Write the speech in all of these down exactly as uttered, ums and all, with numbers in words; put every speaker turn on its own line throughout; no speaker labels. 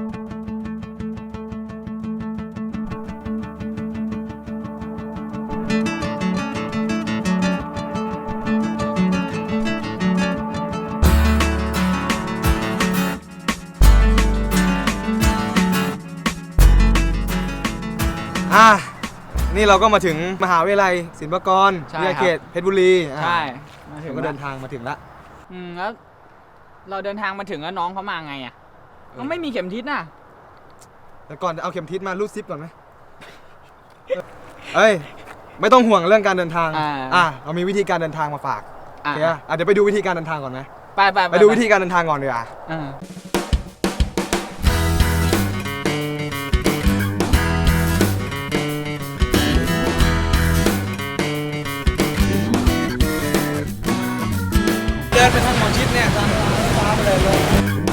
อ่ะนี่เราก็มาถึงมหาวิทยาลัยศิลปากรวิทยาเขตเพชรบุรี
ใช่มาถึง
เราก็เดินทางมาถึงละ
อืมแล้วเราเดินทางมาถึงแล้วน้องเขามาไงอ่ะเขาไม่มีเข็มทิศน่ะ
แต่ก่อนเอาเข็มทิศมารูดซิปก่อนไหมเอ้ยไม่ต้องห่วงเรื่องการเดินทางอ่ะเรามีวิธีการเดินทางมาฝากโอเคอ่ะเดี๋ยวไปดูวิธีการเดินทางก่อนไหม
ไปไป
ไปดูวิธีการเดินทางก่อนดีกว่าเดินไปทางหมอชิดเนี่ยทางฟ้าไปเลยเลย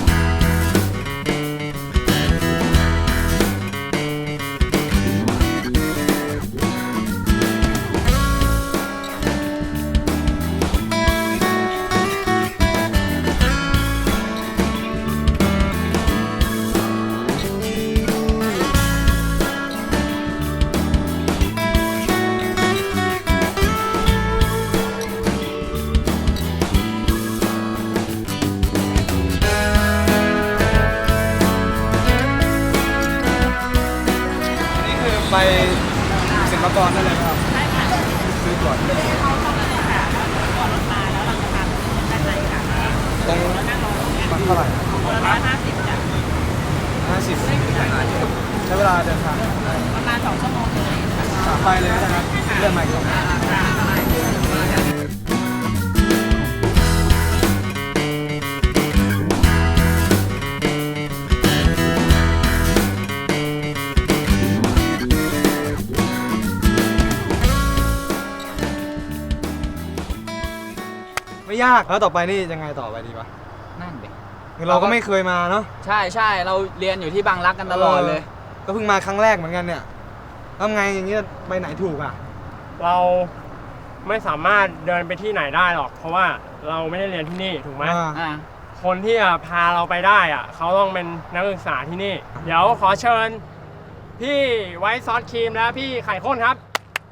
ไปศิลปากรได้เลยครับใช่ค่ะซื้อก่อนก่อนรถมาแล้วเราจะพาไปด้านในค่ะตรงมันเท่าไหร่ร้อยห้าสิบจ้ะห้าสิบใช้เวลาเดินทางประมาณสองชั่วโมงเลยไปเลยนะครับเรื่องใหม่ก่อนไม่ยากแล้วต่อไปนี่ยังไงต่อไปดีปะ
นั่นเด็ก
คือเราก็ไม่เคยมาเนาะ
ใช่ใช่เราเรียนอยู่ที่บางรักกันตลอดเลย
ก็เพิ่งมาครั้งแรกเหมือนกันเนี่ยทำไงอย่างนี้ไปไหนถูกอ่ะ
เราไม่สามารถเดินไปที่ไหนได้หรอกเพราะว่าเราไม่ได้เรียนที่นี่ถูกไหมคนที่จะพาเราไปได้อ่ะเขาต้องเป็นนักศึกษาที่นี่เดี๋ยวขอเชิญพี่ไวท์ซอสครีมและพี่ไข่ข้นครับ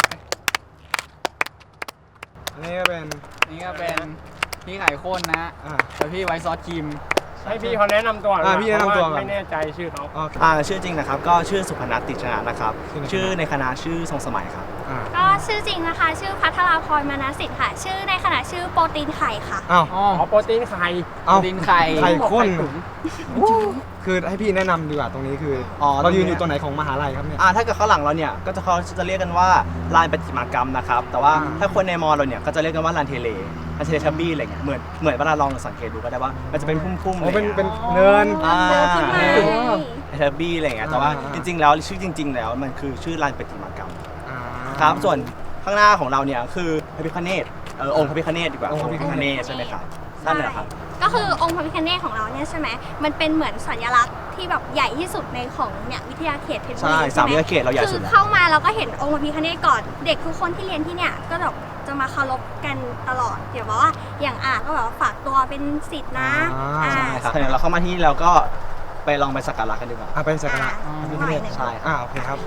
อันนี้ก็เป็น
นี่ก็เป็นพี่ไข่ข้นนะแต่พี่ไวท์ซอสครีม
ให้พี่เขาแนะนำตัว
อ่าพี่แนะนำตัว
ไม่แน่ใจชื่อเขา
อ่าชื่อจริงนะครับก็ชื่อสุพนัสติชนะนะครับชื่อในคณะชื่อทรงสมัยครับ
ก็ชื่อจริงนะคะชื่อพัทราพรมานาสิทธิ์ค่ะชื่อในคณะชื่อโปรตีนไข่ค่ะ
อ้าว
อ๋อโปรตีนไข่
โปรตีนไข่
ไข่ข้นคือให้พี่แนะนำดีกว่าตรงนี้คืออ๋อเรายืนอยู่ตรงไหนของมหาลัยครับเนี่ย
อ่าถ้าเกิดข้างหลังเราเนี่ยก็จะเขาจะเรียกกันว่าลานประติมากรรมนะครับแต่ว่าถ้าคนในมอเราเนี่ยก็จะเรียกกันว่าลานเทเลลานเทเลทับบี้อะไรเงี้ยเหมือนเหมือนเวลาลองสังเกตดูก็ได้ว่ามันจะเป็นพุ่มๆ
เลยเป็นเป็นเนิน
อ่าทับบี้อะไรเงี้ยแต่ว่าจริงๆแล้วชื่อจริงๆแล้วมันคือชื่อลานประติมากรรมครับส่วนข้างหน้าของเราเนี่ยคือพระพิฆเนศเออองค์พระพิฆเนศดีกว่าองค์พระพิฆเนศใช่ไหมครับนั่นแหละครับ
ก็คือองค์พระพิฆเนศของเราเนี่ยใช่ไหมมันเป็นเหมือนสัญลักษณ์ที่แบบใหญ่ที่สุดในของเนี่ยวิทยาเขตเพชรบุรี
ใช่สามวิทยาเขตเราใหญ่สุด
คือเข้ามาเราก็เห็นองค์พระพิฆเนศก่อนเด็กทุกคนที่เรียนที่เนี่ยก็แบบจะมาเคารพกันตลอดเดี๋ยวบอกว่าอย่างอาก็แบบฝากตัวเป็นศิษย์นะ
ใช่ครับถ้าเราเข้ามาที่นี่เราก็ไปลองไปสักการะกันดีกว่า
ไปสักการะพระพิฆเนศใช่อ่าโอเคครับ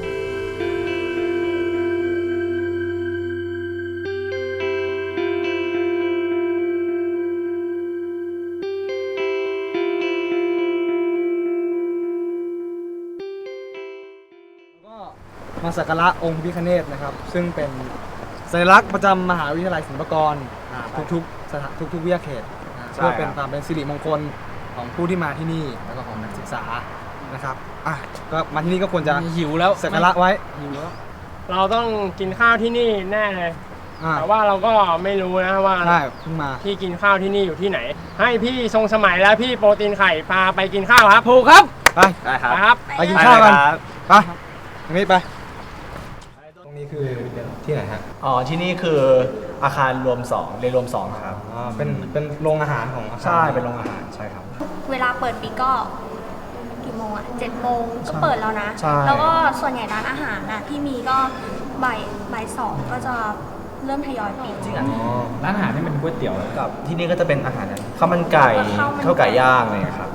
มาสักการะองค์พระพิฆเนศนะครับซึ่งเป็นสัญลักษณ์ประจำมหาวิทยาลัยศิลปากรทุกๆสถานทุกๆวิทยาเขตเพื่อเป็นความเป็นสิริมงคลของผู้ที่มาที่นี่แล้วก็ของนักศึกษานะครับอ่ะก็มาที่นี่ก็ควรจะ
หิวแล้ว
สักการะไว้
หิวแล้วเราต้องกินข้าวที่นี่แน่เลยแต่ว่าเราก็ไม่รู้นะว่า
ใช่เพิ่งมา
ที่กินข้าวที่นี่อยู่ที่ไหนให้พี่ทรงสมัยและพี่โปรตีนไข่พาไปกินข้าวครับ
ถูกครับไป
ได้
ครับ
ไปกินข้าวกันไปตรงนี้ไปตรงนี้คือที่ไหนฮะ
อ๋อที่นี่คืออาคารรวมสองเรียนรวมสองครับ
อ๋อเป็นเป็นโรงอาหารของอาคาร
ใช่เป็นโรงอาหารใช่ครับ
เวลาเปิดปีก็กี่โมงอ่ะเจ็ดโมงก็เปิดแล้วนะแล้วก็ส่วนใหญ่ร้านอาหารน่ะที่มีก็บ่ายบ่ายสองก็จะเริ่มทยอยปิด
จริงอ่ะ
ร้านอาหารนี่เป็นก๋วยเตี๋ยว
กับที่นี่ก็จะเป็นอาหารข้าวมันไก่ข้าวไก่ย่างอะไรครับ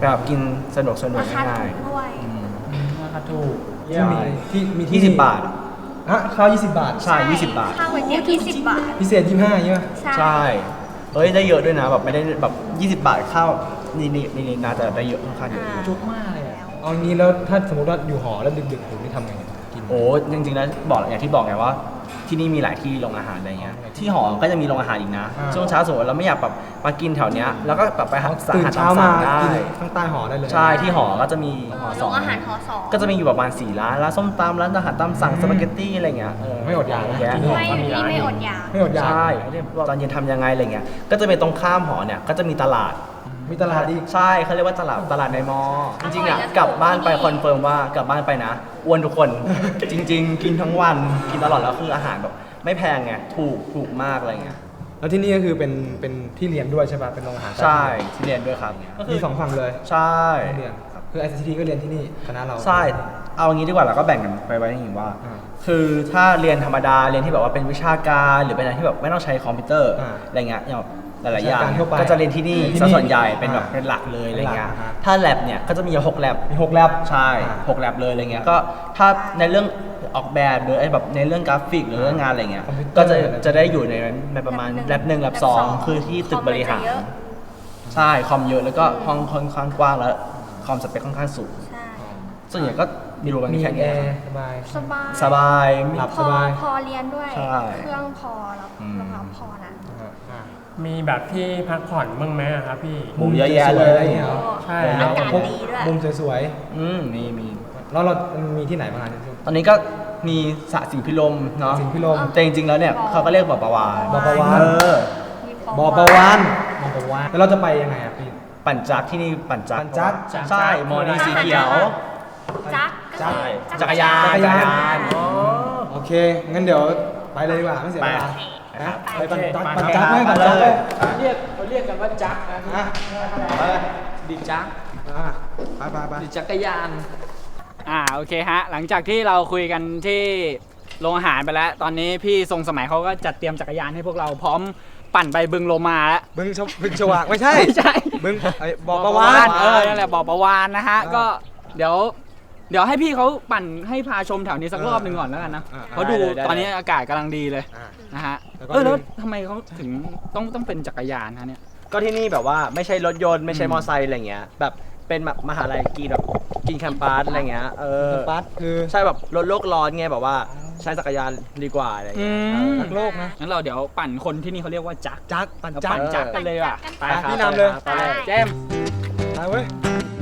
แบบกินสนุกสนุก
ราคา
ง่าย
ถูกด้วย
ราคาถูก
ที่มีที่มีที่
ยี่สิบบาท
ฮะข้าวยี่สิบบาท
ใช่ยี่สิบบาท
ข้าวก๋วยเตี๋ยวยี่สิบบาท
พิเศษยี่สิบห้าใช่ไหม
ใช่เอ้ยได้เยอะด้วยนะแบบไม่ได้แบบยี่สิบบาทข้าวนี่นี่นี่นี่น่าจะได้เยอะค่อนข้างเยอะ
อ่า
จุกมากเลยอะ
เอางี้แล้วถ้าสมมติว่าอยู่หอแล้วดึกๆผมนี่ทำไงกิน
โอ้จริงๆแล้วบอกอย่างที่บอกไงว่าที่นี่มีหลายที่โรงอาหารอะไรเงี้ยที่หอก็จะมีโรงอาหารอีกนะ
อ่า
ช่วงเช้าสมมติเราไม่อยากแบบมากินแถวเนี้ยแล้วก็แบบไปหาสั่ง
ตื่น
อาหาร
เช้า
ตาม
มา
สั่งได้
กินข้างใต้หอได้เลย
ใช่ที่หอก็จะมีหอส
โร
อง
งอาหารหอสอง
ก็จะมีอยู่ประมาณสี่ร้านร้านส้มตำร้านอาหารตามสั่งสปาเกตตี้อะไรเงี้ยเ
ไม่อดอยากนะ
แยะ
กินหอ
ไม่นี่ไม่อดอยาก
ไม่อดอยาก
ใช่ตอนเย็นทำยังไงอะไรเงี้ยก็จะเป็นตรงข้ามหอเนี่ยก็จะมีตลาด
มีตลาดอีก
ใช่เขาเรียกว่าตลาดตลาดในมอ จริงๆอ่ะ
อร่อยนะ
กลับบ้านไป
ที่นี่
คอนเฟิร์มว่ากลับบ้านไปนะอ้วนทุกคน จริง ๆ กินทั้งวันกินตลอดแล้วคืออาหารแบบไม่แพงไงถูกถูกมากอะไรเงี้ย
แล้วที่นี่ก็คือเป็นเป็นที่เรียนด้วยใช่ป่ะเป็นโรงอาหาร
ใช่ที่เรียนด้วยครับก็คื
มี
อ
สองฝั่งเลย
ใช่
ที่เรียนคือไอซีทีก็เรียนที่นี่คณะเรา
ใช่เอางี้ดีกว่าเราก็แบ่งกันไปไว้อย่างนี้ว่า
อ่า
คือถ้าเรียนธรรมดาเรียนที่แบบว่าเป็นวิชาการหรือเป็นอะไรที่แบบไม่ต้องใช้คอมพิวเตอร์
อ่า
อะไรเงี้ยอย่างแบบหลายๆอย่าง
วิชาการทั่วไป
ก็จะเรียนที่นี่
ที่
ซะ
นี่
ส่วนใหญ่เป็นแบบ
อ่า
เป็นหลักเลยอะไรเงี้ย
เป็นหลักอ่า
ถ้าแลบเนี่ยก็จะมีหกแลบ
มีหกแลบ
ใช่
อ่า
หกแลบเลยอะไรเงี้ยก็ถ้าในเรื่องออกแบบหรือไอ้แบบในเรื่องกราฟิกหรือเรื่องงานอะไรเงี้ย
คอมพิวเตอร์
ก็จะจะได้อยู่ในในประมาณแลบหนึ่งแลบสองคือที่ตึกบริหาร
คอมมันจะเยอะ
ใช่คอมเยอะแล้วก็ห้องค่อนข้างกว้างแล้วคอมสเปคค่อนข้างสูง
ใช่
ส่วนใหญ่ก็มีรูกัน
มี
แค่
แอ
เนี้ย
ร์สบาย
สบาย
สบาย
หลับ
พ
ส
อบ
าย
พอเรียนด้วย
ใช่
เครื่องพอแล้ว
อืม
รองรับพอนะ
อ่า
มีแบบที่พักผ่อนบ้างไหมอะครับพี่
มุมเยอะแยะเลย
สวๆอะไรอย่างเงี้ย
ใช่
อากาศ
มุม
ดีด้วย
มุมสวย
อืมมีมี
ๆแล้วเรามีที่ไหนบ้างอ่ะ
ตอนนี้ก็มีสระสีพิลมเนาะ
สิงพิลม
แต่จริงๆแล้วเนี่ยเขาก็เรียกบ่อประวาน
บ่อประวาน
เออ
มี
บ่อประวานบ่อประวานแล้วเราจะไปยังไงอ่ะพี่
ปั่นจักรที่นี่ปั่นจักร
ปั่นจักร
ใช่มอนี่สีเขียว
จักร
ใช่
ก็
จักรยาน
จักรยาน
อ๋อ
โอเค งั้นเดี๋ยวไปเลยดีกว่าไม่เสียเวลา
ไป
นะไป
โอ
ปั่น
เค
จักร
ไป
ปั่น
ครับ
จักรไหมปั่นจักรไหม
เขาเรียกเขาเรียกกันว่าจักรนะ
อ่ะ
ดิจักร
อ่ะไปไปไป
ดิจักรยาน อ่าโอเคฮะ หลังจากที่เราคุยกันที่โรงอาหารไปแล้ว ตอนนี้พี่ทรงสมัยเขาก็จัดเตรียมจักรยานให้พวกเราพร้อมปั่นไปบึงโลมาแล้ว
บึงชวบึงชวากไม่ใช่
ไม่ใช่
บึงไอ้บ่อประวาน
เออนั่นแหละบ่อประวานนะฮะ
อ่า
ก็เดี๋ยว เดี๋ยวให้พี่เขาปั่นให้พาชมแถวนี้สักรอบหนึ่งก่อนแล้วกันนะ
อ่า
เพราะดู
ได้ได้
ตอนนี้อากาศกำลังดีเลย
อ่ะ
นะฮะ
แล้วก็
เออแล้ว
ลืม
ทำไมเขาถึงต้องต้องเป็นจักรยานฮะเนี่ย
ก็ที่นี่แบบว่าไม่ใช่รถยนต์ไม่ใช่มอไซค์อะไรเงี้ยแบบเป็นแบบมหาลัยกินแบบกินแคมปัสอะไรเงี้ยเออ
ปัสคือ
ใช่แบบลดโลกร้อนไงแบบว่าใช้จักรยานดีกว่าอะไร
อื
เงี้ย
ม
รักโลกนะ
งั้นเราเดี๋ยวปั่นคนที่นี่เขาเรียกว่าจักร
จักรปั่น
เรา
จัก
ปั่
ร
นจักรกันเลยว่ะไป
ไป
ครับ
พี่นำเลย
ไปเลยเจมส์
ไปเว้ย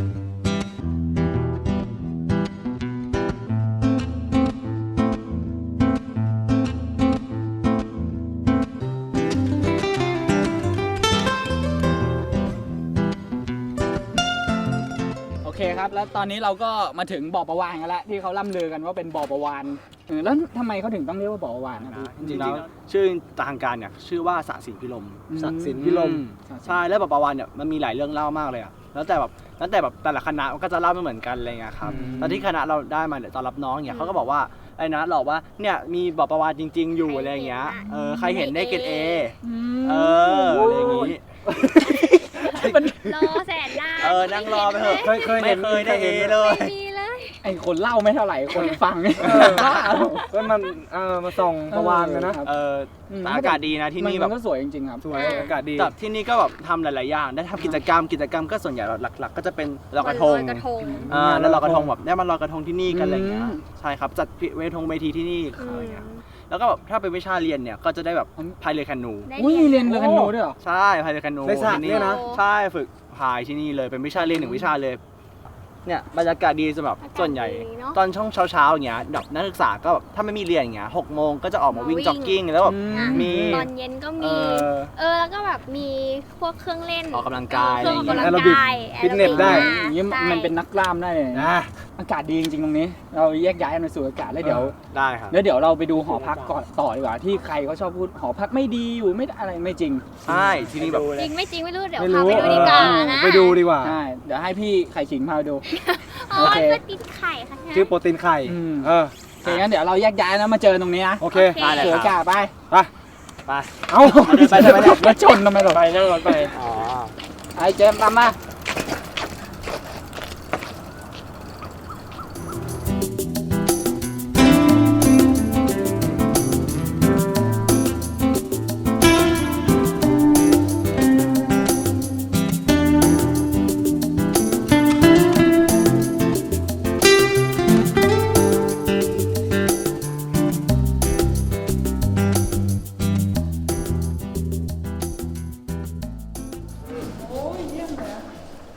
โอเคครับ แล้วตอนนี้เราก็มาถึงบ่อประวานกันแล้วที่เขาล่ำลือกันว่าเป็นบ่อประวานเออแล้วทำไมเขาถึงต้องเรียกว่าบ่อประวานนะพี่
จริงๆแล้วชื่อทางการเนี่ยชื่อว่าสระสินพิลม
สระสินพิลม
ใช่แล้วแบบประวันเนี่ยมันมีหลายเรื่องเล่ามากเลยอะแล้วแต่แบบแล้วแต่แบบแต่ละคณะมันก็จะเล่าไม่เหมือนกันอะไรเงี้ยครับ
อืม
ตอนที่คณะเราได้มาเนี่ยตอนรับน้องเนี่ยเขาก็บอกว่าไอ้นะหลอกว่าเนี่ยมีบอกประวันจริง ๆ อยู่อะไรเงี้ยเออใครเห็นได้เกรดเอเอออะไรอย่างงี้
รอแสนนาน
เออนั่งรอไปเถอะ
เคยเคยเห็
ไม่
น
เคยได้เอเลย
ไม่มีเลย
ไอคนเล่าไม่เท่าไหร่คนฟัง บ้า
ก็มันเออมาส่องประวานกันนะ
เออแต่อากาศดีนะที่นี่
มั
แบบ
ก็สวยจริงๆครับ
สวยอากาศดี
แต่ที่นี่ก็แบบทำหลาย ๆ อย่าง ได้ทำกิจกรรม กิจกรรมก็ส่วนใหญ่หลัก ๆ ก็จะเป็นลอยกระทง
ลอยกระทง
อ่าแล้วลอยกระทงแบบได้มาลอยกระทงที่นี่กันอะไรเงี้ย
อืม
ใช่ครับ จัดเวทงเวทีที่นี่
อื
อะไร
ม
เงี้ย แล้วก็แบบถ้าเป็นวิชาเรียนเนี่ย ก็จะได้แบบพายเรือแคนู
ได้
อุ้ยเรียนเรือแคนูด้วยเหรอ
ใช่พายเรือแคนู
ในสระ
ที่
เนี่ยนะ
ใช่ ฝึกพายที่นี่เลย เป็นวิชาเรียนหนึ่งวิชาเลย เนี่ยบรรยากาศดีสำหรับส่วนใหญ่ ตอนช่วงเช้า ๆ อย่างเงี้ยแบบนักศึกษาก็แบบถ้าไม่มีเรียนอย่างเงี้ยหกโมงก็จะออกมาวิ่งจ็อกกิ้งแล้วแบบ
อืม
อ่ะ
มี
ตอนเย็นก็
เอ
มี
อ
เออ แล้วก็แบบมีพวกเครื่องเล่น
ออกกำลังกาย
เครื่องออกกำลัง
แอโรบิก
กาย
ฟิตเนสได้
อย่างนี้มันเป็นนักกล้ามได้เลย
นะ
อากาศดีจริงๆตรงนี้ เราแยกย้ายกันไปสู่อากาศแล้วเดี๋ยว
ได้ครับ
แล้วเดี๋ยวเราไปดูหอพักก่อนต่อดีกว่าที่ใครเขาชอบพูดหอพักไม่ดีอยู่ไม่อะไรไม่จริง
ใช่ที่นี่แบบ
จริงไม่จริงไม่รู้ เดี๋ยว
ไม่
พา
รู้
ไปดูดีกว่านะ
ไปดูดีกว่า
ใช่เดี๋ยวให้พี่ไข่ขิงพาไปดู
อ๋อ
โอเค
เพื่อติดไข่ค่ะ
ชื่อโปรตีนไข่
อืม
เออ
โอเคงั้นเดี๋ยวเราแยกย้ายนะมาเจอตรงนี้นะ
โอเค
ได้เลย
สู่
ค
อา
รับ
กาศไป
ไป
ไป
เอ้า
ไปเลยไปเลย
มาชนทำไมหรอ
ไปนั่งรถไป
อ๋อ
ไอ้เจมส์ตามมา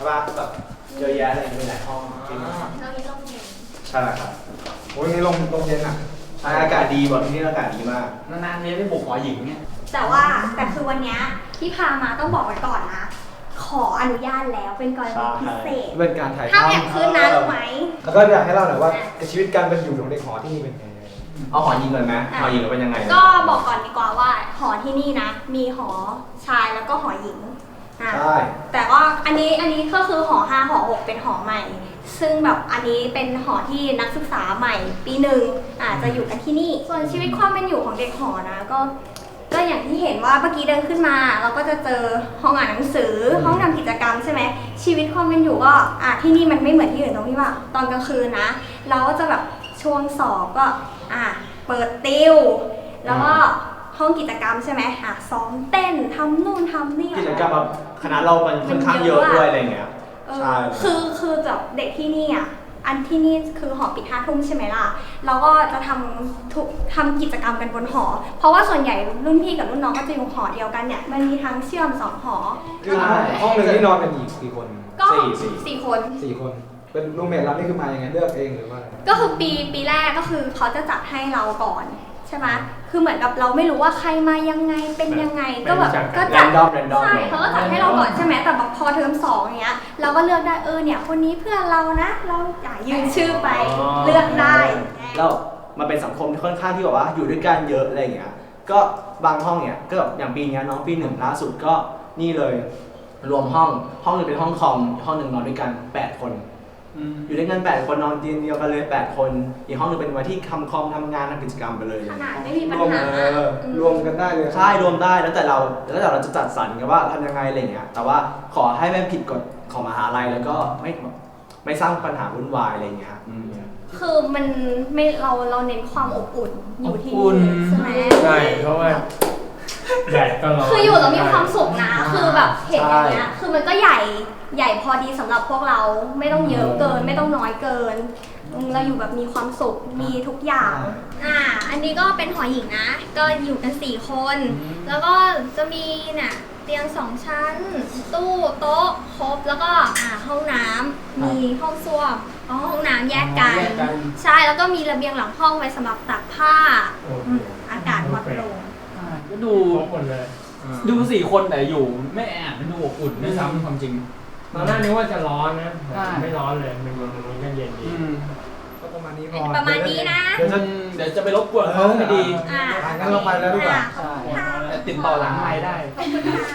ช่ป่ะแบบเยอะแยะเลยมีหลายห้องจริง
เรามีร่มเย็น
ใช่ครับ
โอ้ยนี่ลงลงเย็นอ่ะ
ใช่อากาศดีบอกที่นี่อากาศดีมาก
นานๆเนี่ยได้บุกหอหญิงเนี่ย
แต่ว่าแต่คือวันเนี้ยที่พามาต้องบอกไว้ก่อนนะ ขออนุญาตแล้วเป็นกรณีพิเศษ
เป็นการถ่าย
ถ้า
ทำ
อยากขึ้นนะรู้ไหม
แล้วก็อยากให้เล่าหน่อยว่าชีวิตการเป็นอยู่ของเด็กหอที่นี่เป็นไง
เอาหอยิงเลยไหม
อ่ะ
หอยิงเป็นยังไง
ก็บอกก่อนดีกว่าว่าหอที่นี่นะ มีหอชายแล้วก็หอหญิงอ่ะ
ใช่
แต่ว่าอันนี้อันนี้ก็คือหอห้าหอหกเป็นหอใหม่ ซึ่งแบบอันนี้เป็นหอที่นักศึกษาใหม่ปีหนึ่งอาจจะอยู่กันที่นี่ ส่วนชีวิตความเป็นอยู่ของเด็กหอนะก็ก็อย่างที่เห็นว่าเมื่อกี้เดินขึ้นมา เราก็จะเจอห้องอ่านหนังสือห้องทำกิจกรรมใช่ไหมชีวิตความเป็นอยู่ก็อ่ะที่นี่มันไม่เหมือนที่อื่นตรงที่ว่าตอนกลางคืนนะ เราก็จะแบบช่วงสอบก็อ่ะเปิดติวแล้วก็ห้องกิจกรรมใช่ไหมอ่ะซ้อมเต้นทำนู่นทำนี่
กิจกรรมแบบคณะเรามันค่อนข้างเยอะด้วยอะไรเงี้ย
เออ
ใช่
คือคือแบบเด็กที่นี่อ่ะอันที่นี่คือหอปิดห้าทุ่มใช่ไหมล่ะเราก็จะทำทุกทำกิจกรรมกันบนหอ เพราะว่าส่วนใหญ่รุ่นพี่กับรุ่นน้องก็จะอยู่หอเดียวกันเนี่ยมันมีทั้งเชื่อมสองหอ
คือห้องหนึ่งที่นอนกันอีกกี่คน
ก็
สี่สี่
สี่คน
สี่คน เป็นรูมเมทเรานี่คือมายังไงเลือกเองหรือว่าอะไร
ก็คือปีปีแรกก็คือเขาจะจัดให้เราก่อนใช่ไหมคือเหมือนกับเราไม่รู้ว่าใครมายังไงเป็นยังไงก็แบบก็
แร
จัด
นดอมแรนดอม
ใช่เขาก็จัดให้เราก่อนใช่ไหมแต่แบบพอเทอมสองอย่างเงี้ยเราก็เลือกได้เออเนี่ยคนนี้เพื่อนเรานะ เราอยากยืนชื่อไปเลือกได้
แล้วมันเป็นสังคมที่ค่อนข้างที่แบบว่าอยู่ด้วยกันเยอะอะไรอย่างเงี้ย ก็บางห้องเนี่ยก็แบบอย่างปีเนี้ยน้องปีหนึ่งล่าสุดก็นี่เลยรวมห้องห้องหนึงเป็นห้องคอมห้องหนึ่งนอนด้วยกันแปดคน อยู่ด้วยกันแปดคนนอนเตียงเดียวกันเลยแปดคนอีกห้องหนึงเป็นไว้ที่ทำคอมทำงานทำกิจกรรมไปเลย
ขนาดไม่มีปัญ
รวม
หา
เออรวมกันได้เลย
ใช่รวมได้แล้วแต่เราแล้วแต่เราจะจัดสรรกันว่าทำยังไงอะไรเงี้ยแต่ว่าขอให้ไม่ผิดกฎของมหาลัยแล้วก็ไม่ไม่สร้างปัญหาวุ่นวายอะไรเงี้ยอืม
คือมันไม่เราเราเน้นความอบอุ่นอยู่ที่
อบอุ่น
ใช่ไหม
ใช่เพราะว่าแดดก็ร้อน
คืออยู่แล้วมีความสุขนะ คือแบบเห็นอย่างเงี้ยคือมันก็ใหญ่ใหญ่พอดีสำหรับพวกเราไม่ต้องเยอะเกิน ไม่ต้องน้อยเกินอืมเราอยู่แบบมีความสุขมีทุกอย่างอ่าอันนี้ก็เป็นหอหญิงนะ ก็อยู่กันสี่คน แล้วก็จะมีน่ะเตียงสองชั้น ตู้โต๊ะครบแล้วก็อ่าห้องน้ำมีห้องส้วมอ๋อห้องน้ำแยกกัน
แยกกัน
ใช่แล้วก็มีระเบียงหลังห้องไว้สำหรับตากผ้า
โอ้โห
อืมอากาศวัดลง
ก็ดู
ครบหมดเลย
ดูสี่คนแต่อยู่ไม่แอบดูอบอุ่นด้วยซ้ำความจริง
ตอนแรกนึกว่าจะร้อนนะแต่
ใช่
ไม่ร้อนเลยมันมันมันก็เย็นดี
ก็ประมาณนี้พอ
ประมาณนี้นะ
เดี๋ยวจะ
เดี๋ยวจะไปรบกวนเขาไม่ดี
อ่า
อ่ะงั้นเราไปแล้วดีกว่า
ขอบคุณค่ะ
แต่ติดต่อหลังไมค์ได้
ขอบคุณค่ะ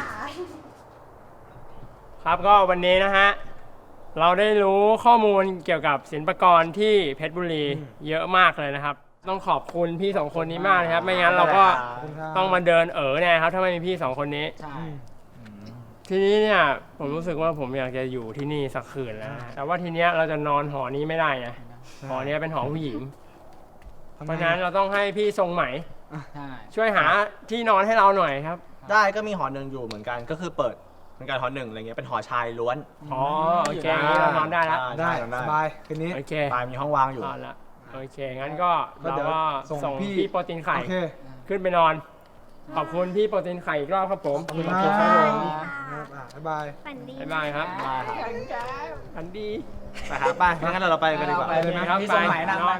ครับก็วันนี้นะฮะเราได้รู้ข้อมูลเกี่ยวกับศิลปากรที่เพชรบุรีเยอะมากเลยนะครับ ต้องขอบคุณพี่สองคนนี้มากเลยครับ ไม่งั้นเราก็ต้องมาเดินเอ๋อเนี่ยครับถ้าไม่มีพี่สองคนนี้
ใช่
ทีนี้เนี่ยผมรู้สึกว่าผมอยากจะอยู่ที่นี่สักคืนแล้วนะแต่ว่าทีเนี้ยเราจะนอนหอนี้ไม่ได้ไงหอเนี้ยเป็นหอผู้หญิง เพราะฉะนั้นเราต้องให้พี่ทรงไหม
ใช่
ช่วยหาที่นอนให้เราหน่อยครับ
ได้ก็มีหอหนึ่งอยู่เหมือนกันก็คือเปิดเหมือนกันหอหนึ่งอะไรเงี้ยเป็นหอชายล้วน
อ๋อโอเคอย่างนี้เรานอนได้แล้ว
ได้
นอน
สบายคืนนี้
โอเค
ปลายมีห้องว่างอยู่
นอนละโอเคงั้นก็
ก็
เรา
เดี๋ยว
ก็
ส่ง
ส่ง
พี่
พี่โปรตีนไข่
โอเค
ขึ้นไปนอน ขอบคุณพี่โปรตีนไข่อีกรอบครับผม
ขอบคุณ
ข
ค
อบ
รั
คุณครับผม
บอ่ะบ๊ายบาย
ฝันดี
บ๊ายบายครับ
ได้ครับ
ฝันดี
ไปครับไปงั้นเราไปกันดีกว่า
ไปเลยนะครับ
ไป
พี่สมัยนำ
น
ไป
อน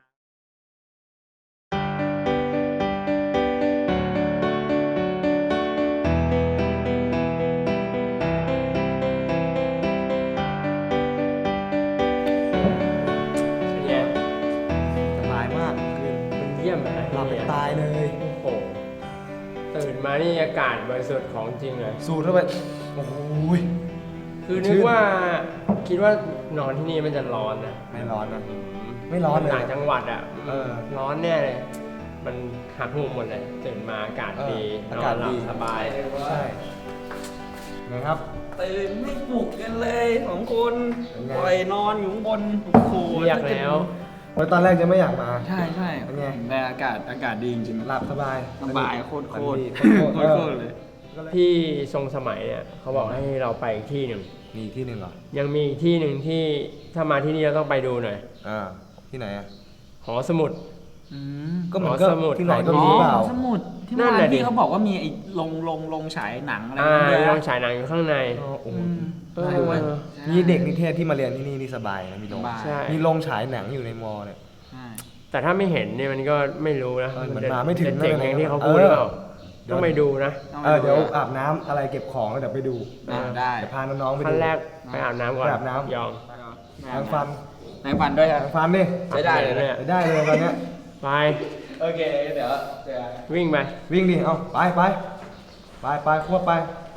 เป็นไง
สบายมากคืน
มันเยี่ยมเลย
หลับไปตายเลย
โอ้โหตื่นมานี่อากาศบริสุทธิ์ของจริงเลย
สูดเข้าไปโอ้โหย
คือนึกว่าคิดว่านอนที่นี่มันจะร้อนนะ
ไม่ร้อนนะ ไม่ร้อนเลย
ต่างจังหวัดอ่ะ
เออ
ร้อนแน่เลย มันหักหูหมดเลย ตื่นมาอากาศดี
เอออากาศ
นอนหลับ
ดี
สบาย
ใช่ไงครับ
ตื่นไม่ปลุกกันเลยสองคน
เป็นไง
ปล่อยนอนอยู่ข้างบนโอ้โห
เรียกแล้ว
เพราะตอนแรกจะไม่อยากมา
ใช่ใช่
เป็นไง
แต่อากาศอากาศดีจริงๆ
หลับสบาย
สบายโคตรโคตร
ดี
โค
โค
ต
ต
ร
ร
โค
โค
ต
ต
ร
ร
เลย
พี่ทรงสมัยเนี่ยเขาบอกให้เราไปอีกที่หนึ่ง
มีที่หนึ่งเหรอ
ยังมีอีกที่หนึ่งที่ถ้ามาที่นี่เราต้องไปดูหน่อย
อ่า ที่ไหนอ่ะ
หอสมุด
อืม
ก็เหมือนก็
หอสมุด
ที่ไหนก็มีหรือเปล่า
สมุดที่เมื่อวานพี่เขาบอกว่ามีไอ้ลงลงลงฉายหนังอะไร
อ่า
ด้วย
มี
นะ
โรงฉายหนังอยู่ข้างใน
โอ้โห
อืม
เออ
ใช่เว้ย
นี่เด็กนิเทศที่มาเรียนที่นี่นี่สบายนะมีโรง
สบาย
ใช่
มีโรงฉายหนังอยู่ในมอเนี่ย
ใช่
แต่ถ้าไม่เห็นเนี่ยมันก็ไม่รู้นะ
เออเหมือนมาไม่ถึง
จะเจ๋งอย่างที่เขา
เออ
พูดหรือเปล่าต้องไปดูนะ
เออเดี๋ยวอาบน้ำอะไรเก็บของแล้วเดี๋ยวไปดู
อ่าได้
เดี๋ยวพาน้องๆไปดู
ขั้นแรกไปอาบน้ำก่อน
ไปอาบน้ำ
ยอง
แปรงฟัน
แปรงฟันด้วยครับ
แปรงฟันดิ
ใช้ได้เลยนะ
ไปได้เลยตอนเนี้ย
ไป
โอเคเดี๋ยวเดี๋ยว
วิ่งไป
วิ่งดิ เอาไปไปไปไปควบไป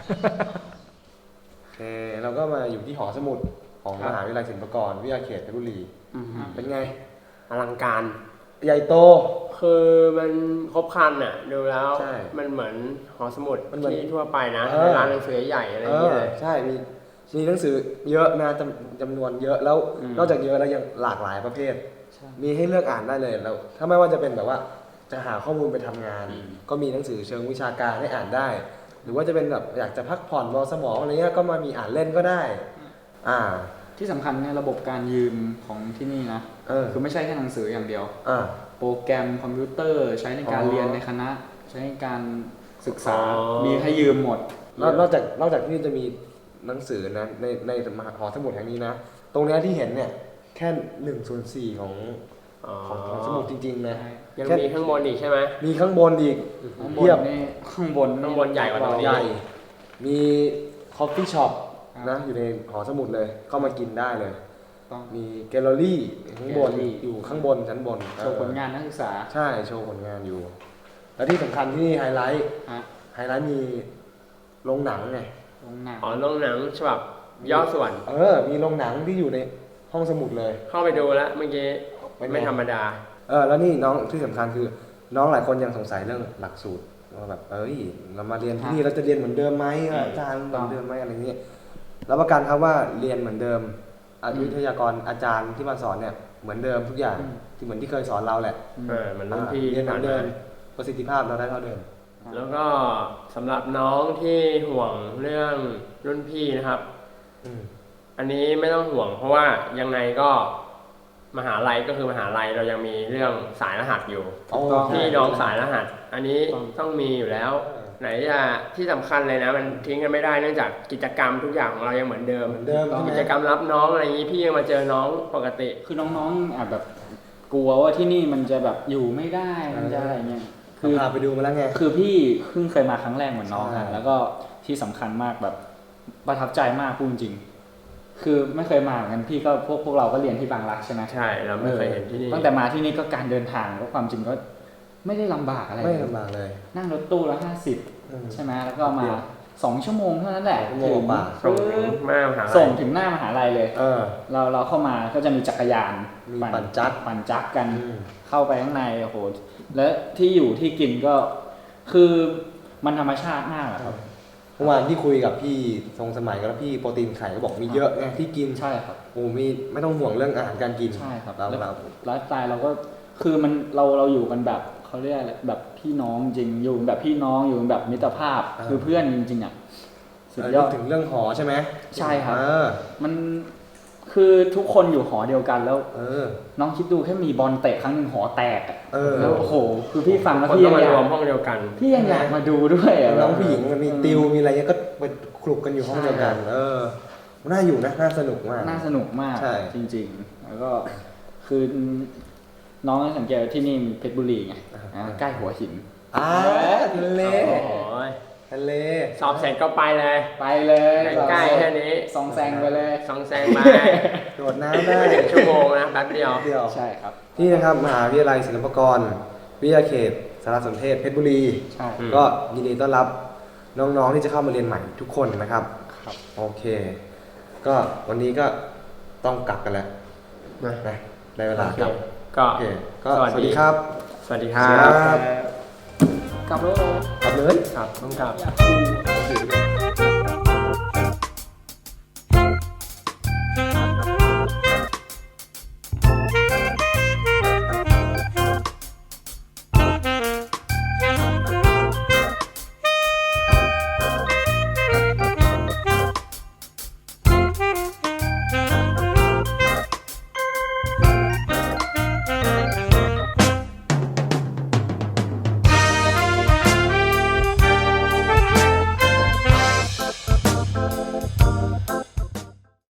โอเค เราก็มาอยู่ที่หอสมุดของ
ครั
ม
บ
หาวิทยาลัยศิลปากรวิทยาเขตเพชรบุรี เป็นไง
อลังการ
ใหญ่โต
คือมันครบครันอ่ะดูแล้ว
ใช่
มันเหมือนหอสมุด
มันเหมือน
ที่ทั่วไปนะ
เออ
ในร้านหนังสือใหญ่อะไร
เอ
อย่างเงี้
อย
เลย
ใช่ มีมีหนังสือเยอะนะจำจำนวนเยอะแล้ว
อืม
นอกจากเยอะแล้วยังหลากหลายประเภท มีให้เลือกอ่านได้เลยแล้ว ถ้าไม่ว่าจะเป็นแบบว่าจะหาข้อมูลไปทำงาน ก็มีหนังสือเชิงวิชาการให้อ่านได้ หรือว่าจะเป็นแบบอยากจะพักผ่อนรอสมองอะไรเงี้ยก็มามีอ่านเล่นก็ได้ อ่า
ที่สำคัญเนี่ยระบบการยืมของที่นี่นะ
เออ
คือไม่ใช่แค่หนังสืออย่างเดียว
อ่า
โปรแกรมคอมพิวเตอร์ใช้ในการ
อ๋อ
เรียนในคณะ ใช้ในการศึกษา
อ๋อ
มีให้ยืมหมด
นอกนอกจากนอกจากที่จะมีหนังสือนะในในมหาหอสมุดแห่งนี้นะ ตรงเนี้ยที่เห็นเนี่ยแค่หนึ่งส่วนสี่ของ
อ๋อ
ของหอสมุดจริงๆนะ
ยัง
แค่
มีข้างบนอีกใช่ไหม
มีข้างบนอีก
ข้างบ
เทีย
น
บ
นี่ข้างบน
ข้างบนใหญ่กว่าตรงนี้
ใหญ่มีคอฟฟี่ช็อป
ครับ
นะอยู่ในหอสมุดเลยเข้ามากินได้เลย
ต้อง
มีแกลเลอรี่ข้างบน
แกลเลอรี่
อยู่ข้างบนชั้นบน
โชว์ผลงานนักศึกษา
ใช่โชว์ผลงานอยู่ แล้วที่สำคัญที่นี่ไฮไลท์
ฮะ
ไฮไลท์มีโรงหนังไง
โรงหนัง
อ๋อโรงหนังฉบับย่อส่วน
เออ มีโรงหนังที่อยู่ในห้องสมุดเลย
เข้าไปดูแล้วเมื่อกี้
เป็นไง
ไม่ธรรมดา
เออแล้วนี่น้องที่สำคัญคือ น้องหลายคนยังสงสัยเรื่องหลักสูตรว่าแบบเอ้ยเรามาเรียนที่นี่เราจะเรียนเหมือนเดิมไหมอาจารย์เหมือนเดิมไหมอะไรเงี้ยรับประกันครับว่าเรียนเหมือนเดิมอาวิทยากรอาจารย์ที่มาสอนเนี่ยเหมือนเดิมทุกอย่างที่เหมือนที่เคยสอนเราแหละ
เออมันรุ่นพี่
เรียนเหมือนเดิม
ผ่า
ประสิทธิภาพเราได้เท่าเดิม
มาแล้วก็สำหรับน้องที่ห่วงเรื่องรุ่นพี่นะครับ
อืม
อันนี้ไม่ต้องห่วงเพราะว่ายังไงก็มหาลัยก็คือมหาลัยเรายังมีเรื่องสายรหัสอยู่
อ๋อ
พี่น้องสายรหัส อันนี้
ต้อง
ต้องมีอยู่แล้ว
เออ
ไหนจะที่สำคัญเลยนะ มันทิ้งกันไม่ได้เนื่องจากกิจกรรมทุกอย่างของเรายังเหมือนเดิม
เหมือนเดิมใช่ไหม
กิจกรรมรับน้องอะไรอย่างนี้พี่ยังมาเจอน้องปกติ
คือน้องๆอาจแบบกลัวว่าที่นี่มันจะแบบอยู่ไม่ได้มันจะอะไรเงี้ย
คือพาไปดูมาแล้วไง
คือพี่เพิ่งเคยมาครั้งแรกเหมือนน้อง
ใช่
อะแล้วก็ที่สำคัญมากแบบประทับใจมากพูดจริง คือไม่เคยมาเหมือนกันพี่ก็พวกพวกเราก็เรียนที่บางรักใช่ไหม
ใช่เราไม่เคยเห็นที่นี่
ตั้งแต่มาที่นี่ก็การเดินทางก็ความจริงก็ไม่ได้ลำบากอะไร
ไม่ลำบากเลย
นั่งรถตู้ละห้าสิบ
อืม
ใช่ไหมแล้วก็มาสองชั่วโมงเท่านั้นแหละ
สองชั่วโมงกว่า
ส่งถึงหน้ามหาลัย
ส่งถึงหน้ามหาลัยเลย
เออ
เราเราเข้ามาก็จะมีจักรยาน
มีปั่นจักร
ปั่นจักรกัน
อืม
เข้าไปข้างในโอ้โหแล้วที่อยู่ที่กินก็คือมันธรรมชาติมากอะครับ
เมื่อวานที่คุยกับพี่ทรงสมัยกับพี่โปรตีนไข่ก็บอกมีเยอะไงที่กิน
ใช่ครับ
โอ้มีไม่ต้องห่วงเรื่องอาหารการกิน
ใช่ครับ
เรา
แล้ว
เรา
ไลฟ์สไตล์เราก็คือมันเราเราอยู่กันแบบเขาเรียกอะไรแบบพี่น้องจริงอยู่แบบพี่น้องอยู่แบบมิตรภาพคือเพื่อนจริงๆอ่ะสุด
เออย
อด
ถึงเรื่องหอใช่ไหม
ใช่ครับ
เออ
มันคือทุกคนอยู่หอเดียวกันแล้ว
เออ
น้องคิดดูแค่มีบอลเตะครั้งหนึ่งหอแตกอะ
เออ
แล้วโอ้โหคือพี่ฟังแล้ว
คน
พี่
ต้
ยั
อง
งอยาร
มารวมห้องเดียวกัน
พี่ยังอยากมาดูด้วยอะ
น้องผู้หญิงมันมีติวมีอะไรเงี้ยก็ไปคลุกกันอยู่ห้องเดียวกัน เออ น่าอยู่นะ น่าสนุกมาก
น่าสนุกมาก
ใช่
จริงๆ แล้วก็คือน้องสังเกตว่าที่นี่มีเพชรบุรีไงอ่าใกล้หัวหิน
อ่าทะเล
โอ้ย
ทะเล
สอบเสร็จก็ไปเลย
ไปเลย
ใกล้ๆแค่นี้
ซองแซงไปเลย
ซองแซงไป
โดดน้ำได้
ไม่ถึงชั่วโมงนะแป๊บเดียว
เดียว
ใช่ครับ
นี่นะครับมหาวิทยาลัยศิลปากร วิทยาเขตสารสนเทศเพชรบุรี
ใช่
อืม
ก็ยินดีต้อนรับน้องๆที่จะเข้ามาเรียนใหม่ทุกคนนะครับ
ครับ
โอเค ก็วันนี้ก็ต้องกลับกันแล้ว
นะ
นะได้เวลากลับ
ก็
โอเค ก็
สวัส
สวัส
ดี
ดีครับ
สวัสดีค
สวัสดี
รับ
ครับ
กลับแล้ว
กลับเลย
ครับต้องกลับ
อยากดู